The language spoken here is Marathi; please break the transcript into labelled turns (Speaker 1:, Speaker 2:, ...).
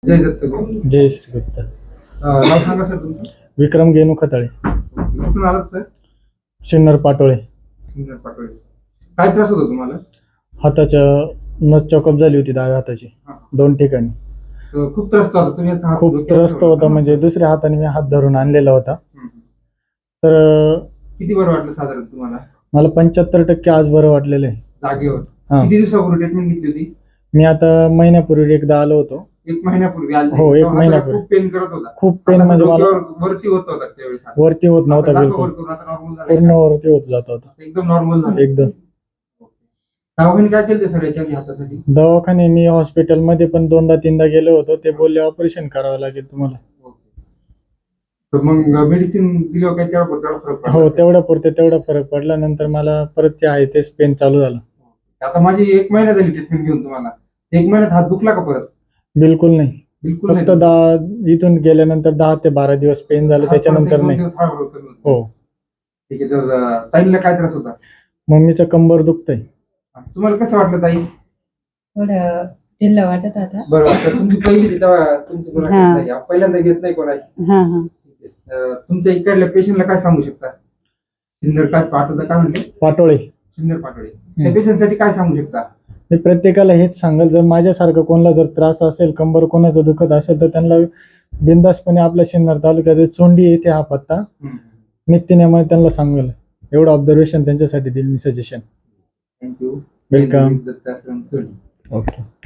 Speaker 1: जय दत्त गुरु.
Speaker 2: जय श्री गुप्ता.
Speaker 1: नाव सांगा सर तुमचं.
Speaker 2: विक्रम गेनू खताळे,
Speaker 1: कुठून आलात सर.
Speaker 2: शिन्नर पाटोळे.
Speaker 1: सुंदर पाटोळे. काय त्रास होतो तुम्हाला.
Speaker 2: हाताच्या नस चॉकअप झाली होती डाव्या हाताची
Speaker 1: हा.
Speaker 2: 2 ठिकाणी.
Speaker 1: खूप त्रास होता. तुम्ही आता हात
Speaker 2: खूप
Speaker 1: डोक्यावर
Speaker 2: त्रस्त होता,
Speaker 1: ठेवला.
Speaker 2: म्हणजे दुसऱ्या हाताने मी हात धरून आणलेला होता.
Speaker 1: हम्म.
Speaker 2: तर
Speaker 1: किती बरं वाटलं साधारण तुम्हाला.
Speaker 2: मला 75% आज बरं वाटलेलं आहे.
Speaker 1: जागेवर.
Speaker 2: हा.
Speaker 1: किती दिवसापूर्वी ट्रीटमेंट घेतली होती.
Speaker 2: मी आता महिन्यापूर्वी एकदा आलो होतो.
Speaker 1: 1 महिन्यापूर्वी आले.
Speaker 2: हो, 1
Speaker 1: तेव्हा हाताला
Speaker 2: महिन्यापूर्वी.
Speaker 1: खूप पेन करत होता.
Speaker 2: खूप पेन,
Speaker 1: आता
Speaker 2: म्हणजे मला
Speaker 1: डोक्यावर वरती होत होता त्यावेळेस हात.
Speaker 2: वरती होत
Speaker 1: आता
Speaker 2: नव्हता
Speaker 1: दाखवा
Speaker 2: बिलकुल.
Speaker 1: वर करून. आता नॉर्मल झालं.
Speaker 2: पूर्ण वरती होत जात होता
Speaker 1: एकदम नॉर्मल झालं.
Speaker 2: एकदम.
Speaker 1: दवाखाने काय केले सर याच्या हातासाठी.
Speaker 2: दवाखाने मी हॉस्पिटलमध्ये पण 2दा-3दा गेलो होतो. ते बोलले ऑपरेशन करावं लागेल तुम्हाला.
Speaker 1: तर मग मेडिसिन दिल्यावर काय तेवढा फरक पडला.
Speaker 2: हो, तेवढा फरक पडला. नंतर मला परत ते आहे तेच पेन चालू झालं.
Speaker 1: आता माझी 1 महिना झाली ट्रीटमेंट घेऊन तुम्हाला. 1 महिन्यात हात दुखला का परत.
Speaker 2: बिलकुल नाही.
Speaker 1: बिलकुल नाही.
Speaker 2: फक्त इथून गेल्यानंतर 10 ते 12 दिवस पेन झालं, त्याच्यानंतर नाही. हो.
Speaker 1: ठीक आहे. तर ताईला काय त्रास होता.
Speaker 2: मम्मीचं कंबर दुखतंय.
Speaker 1: तुम्हाला कसं वाटलं ताई.
Speaker 3: थोडं ढिल्लं वाटत आता.
Speaker 1: बरं वाटतं. तुमची पहिली तेव्हा तुमची मुलाखत
Speaker 3: हा.
Speaker 1: नाही. पहिल्यांदा घेत नाही कोणाची.
Speaker 3: हा हा.
Speaker 1: तुमच्या इकडल्या पेशंटला काय सांगू शकता. सिन्नर काय पाठवता काय म्हणले.
Speaker 2: पाटोळे.
Speaker 1: सिन्नर पाटोळे. त्या पेशंटसाठी काय सांगू शकता.
Speaker 2: मी प्रत्येकाला हेच सांगेल, जर माझ्यासारखं कोणाला जर त्रास असेल, कंबर कोणाचं दुखत असेल, तर त्यांना बिंदासपणे आपल्या सिन्नर तालुक्यात चोंडी येथे हा पत्ता नित्यनेमाने त्यांना सांगेल. एवढं ऑब्झर्वेशन त्यांच्यासाठी देईल मी सजेशन.
Speaker 1: थँक्यू.
Speaker 2: वेलकम. ओके.